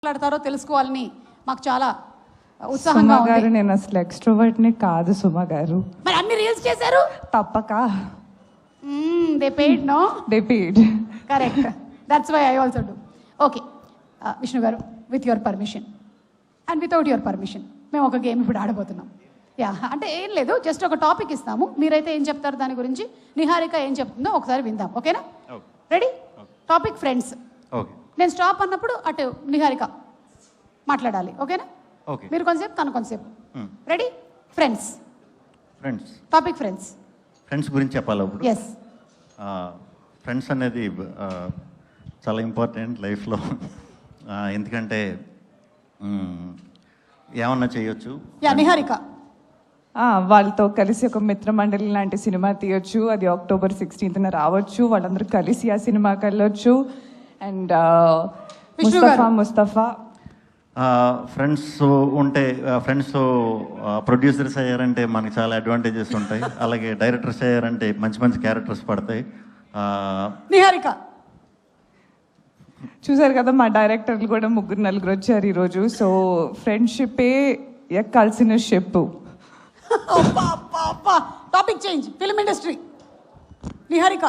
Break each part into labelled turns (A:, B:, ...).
A: మాట్లాడతారో తెలుసుకోవాలని మాకు చాలా ఉత్సాహంగా ఉంది.
B: గారు నేను అసలు ఎక్స్ట్రోవర్ట్ ని కాదు సుమ గారు.
A: మరి అన్ని రీల్స్ చేశారు
B: తప్పక.
A: They paid no
B: they paid.
A: Correct, that's why I also do. Okay Vishnu garu, with your permission and without your permission మేము ఒక గేమ్ ఇప్పుడు ఆడబోతున్నాం. యా, అంటే ఏం లేదు, జస్ట్ ఒక టాపిక్ ఇస్తాము, మీరైతే ఏం చెప్తారు దాని గురించి, నిహారిక ఏం చెప్తుందో ఒకసారి విందాం. ఓకేనా? రెడీ? Topic friends. నేను స్టాప్ అన్నప్పుడు అటు నిహారిక మాట్లాడాలి. ఓకేనా? మీరు కొంతసేపు తను కొంతసేపు. Ready? Friends. Topic friends.
C: Friends గురించి చెప్పాలి ఇప్పుడు.
A: ఎస్.
C: ఫ్రెండ్స్ అనేది చాలా ఇంపార్టెంట్ లైఫ్లో. ఎందుకంటే ఏమన్నా చేయొచ్చు.
A: యా, నిహారిక.
B: వాళ్ళతో కలిసి ఒక మిత్రమండలి లాంటి సినిమా తీయొచ్చు. అది October 16th రావచ్చు. వాళ్ళందరూ కలిసి ఆ సినిమాకి వెళ్ళొచ్చు. అండ్ ముస్తఫా
C: ఫ్రెండ్స్ ఉంటే, ఫ్రెండ్స్ ప్రొడ్యూసర్స్ అయ్యారంటే మనకి చాలా అడ్వాంటేజెస్ ఉంటాయి. అలాగే డైరెక్టర్స్ అయ్యారంటే మంచి మంచి క్యారెక్టర్స్ పడతాయి.
A: నిహారిక
B: చూసారు కదా, మా డైరెక్టర్లు కూడా 3-4 వచ్చారు ఈరోజు. సో ఫ్రెండ్షిపే ఎక్కాల్సిన ship.
A: Topic change. Film industry. Niharika.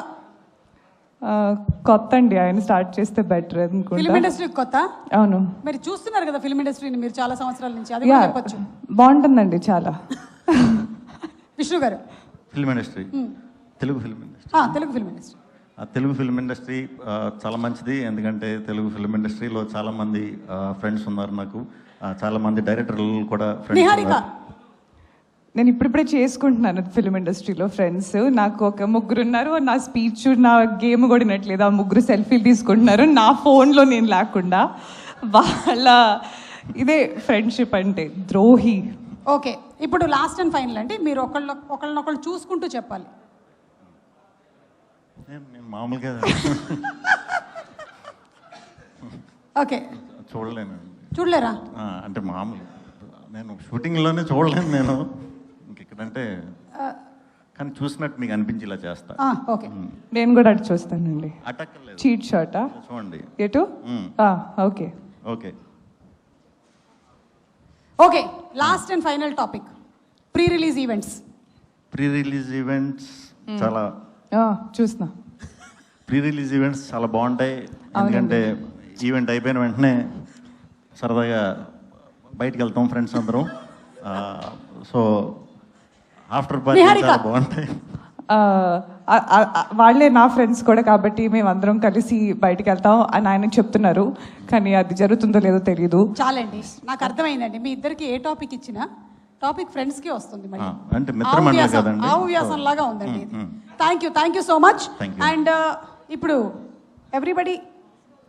B: కొత్త అండి, ఆయన స్టార్ట్ చేస్తే బెటర్ అనుకుంటా.
A: ఫిల్మ్ ఇండస్ట్రీ కొత్త?
B: అవును.
A: మీరు చూస్తున్నారు కదా ఫిల్మ్ ఇండస్ట్రీని మీరు చాలా సంవత్సరాల నుంచి, అది చెప్పొచ్చు.
B: బాగుంటుందండి చాలా.
A: Vishnu garu.
C: Film industry, Telugu film industry.
A: Telugu film industry.
C: Telugu film industry చాలా మంచిది. ఎందుకంటే తెలుగు ఫిల్మ్ ఇండస్ట్రీలో చాలా మంది ఫ్రెండ్స్ ఉన్నారు నాకు. చాలా మంది డైరెక్టర్లు కూడా
A: నిహారిక.
B: నేను ఇప్పుడిప్పుడే చేసుకుంటున్నాను ఫిల్మ్ ఇండస్ట్రీలో ఫ్రెండ్స్. నాకు ఒక 3 ఉన్నారు. నా స్పీచ్, నా గేమ్ కూడా వినట్లేదు. ఆ 3 సెల్ఫీలు తీసుకుంటున్నారు నా ఫోన్లో, నేను లేకుండా. వాళ్ళ ఇదే ఫ్రెండ్షిప్ అంటే, ద్రోహి.
A: ఓకే, ఇప్పుడు లాస్ట్ అండ్ ఫైనల్ అంటే మీరు ఒకళ్ళనొకళ్ళు చూసుకుంటూ చెప్పాలి.
C: నేను మామూలుగా
A: ఓకే.
C: చూడలేరా అంటే మామూలు నేను షూటింగ్లోనే చూడలేను నేను. ఇంకెక్కడంటే కానీ చూసినట్టు మీకు అనిపించేలా చేస్తా.
A: ఓకే,
B: నేను కూడా అటు చూస్తానండి.
C: అటక్కర్లేదు.
B: చీట్ షాటా?
C: చూడండి
B: ఎటు? Okay
C: okay
A: okay. Last and final topic, pre release events.
C: Pre release events చాలా
B: చూస్తున్నా.
C: ప్రీ రిలీజ్ ఈవెంట్స్ చాలా బాగుంటాయి. ఎందుకంటే ఈవెంట్ అయిపోయిన వెంటనే సరదాగా బయటకు వెళ్తాం ఫ్రెండ్స్ అందరం. సో ఆఫ్టర్ పార్టీ చాలా బాగుంటాయి.
B: వాళ్ళే నా ఫ్రెండ్స్ కూడా, కాబట్టి మేము అందరం కలిసి బయటకు వెళ్తాం అని ఆయన చెప్తున్నారు. కానీ అది జరుగుతుందో లేదో తెలియదు.
A: చాలండి, నాకు అర్థమైందండి. మీ ఇద్దరికి ఏ టాపిక్ ఇచ్చినా టాపిక్ ఫ్రెండ్స్ కి వస్తుంది.
C: అంటే మిత్రమండలి కదండి,
A: ఆవ్యాసం లాగా ఉందండి ఇది. Thank you so much. And ఇప్పుడు ఎవ్రీబడి